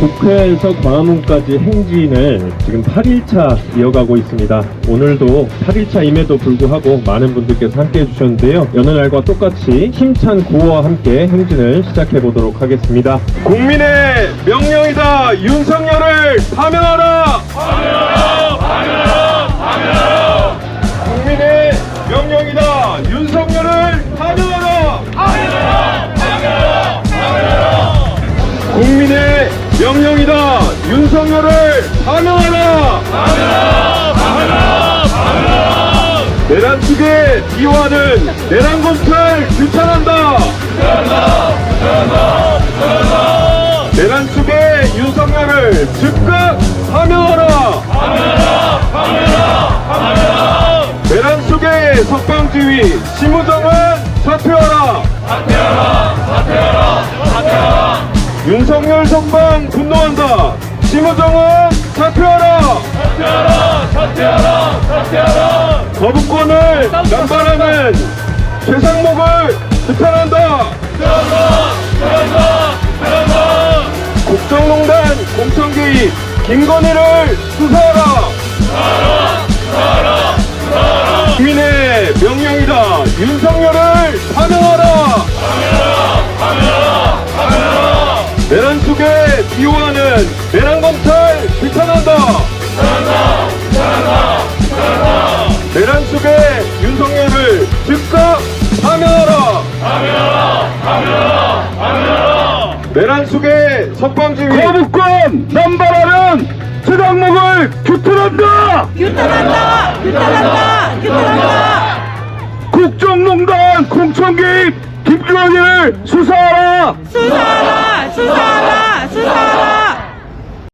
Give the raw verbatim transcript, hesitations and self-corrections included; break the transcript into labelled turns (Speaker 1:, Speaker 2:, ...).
Speaker 1: 국회에서 광화문까지 행진을 지금 팔 일차 이어가고 있습니다. 오늘도 팔 일차임에도 불구하고 많은 분들께서 함께 해주셨는데요. 여느 날과 똑같이 힘찬 구호와 함께 행진을 시작해 보도록 하겠습니다. 국민의 명령이다. 윤석열을 파면하라. 파면하라. 파면하라. 파면하라. 국민의 명령이다. 윤석열을 파면하라. 파면하라. 파면하라. 파면하라. 국민의 명령이다. 윤석열을 파면하라. 파면하라. 파면하라. 파면하라. 내란 측의 비화는 내란 검찰 규탄한다. 규탄한다. 규탄한다. 규탄한다. 내란 측의 윤석열을 즉각 파면하라. 파면하라. 파면하라. 파면하라. 내란 측의 석방지휘 심우정은 사퇴하라. 사퇴하라. 사퇴하라. 사퇴하라. 윤석열 석방 분노한다. 심우정은 사퇴하라. 사퇴하라. 사퇴하라. 사퇴하라. 거부권을 남발하는 최상목을 규탄한다. 규탄한다. 규탄한다. 규탄한다. 국정농단 공천 개입 김건희를 수사하라. 수사하라. 수사하라. 수사하라. 국민의 명령이다. 윤석열을 파면하라. 파면하라. 파면하라. 파면하라. 내란 속에 비호하는 내란 검찰 규탄한다. 규탄한다. 규탄한다. 규탄한다. 내란 속에 윤석열을 즉각 파면하라. 파면하라. 파면하라. 파면하라. 내란 속에 석방지휘 거부권 남발하는 최상목을 규탄한다.
Speaker 2: 규탄한다. 규탄한다. 규탄한다.
Speaker 3: 국정농단 공천개입 김건희를 수사하라.
Speaker 2: 수사하라. 수사하라. 수사하라.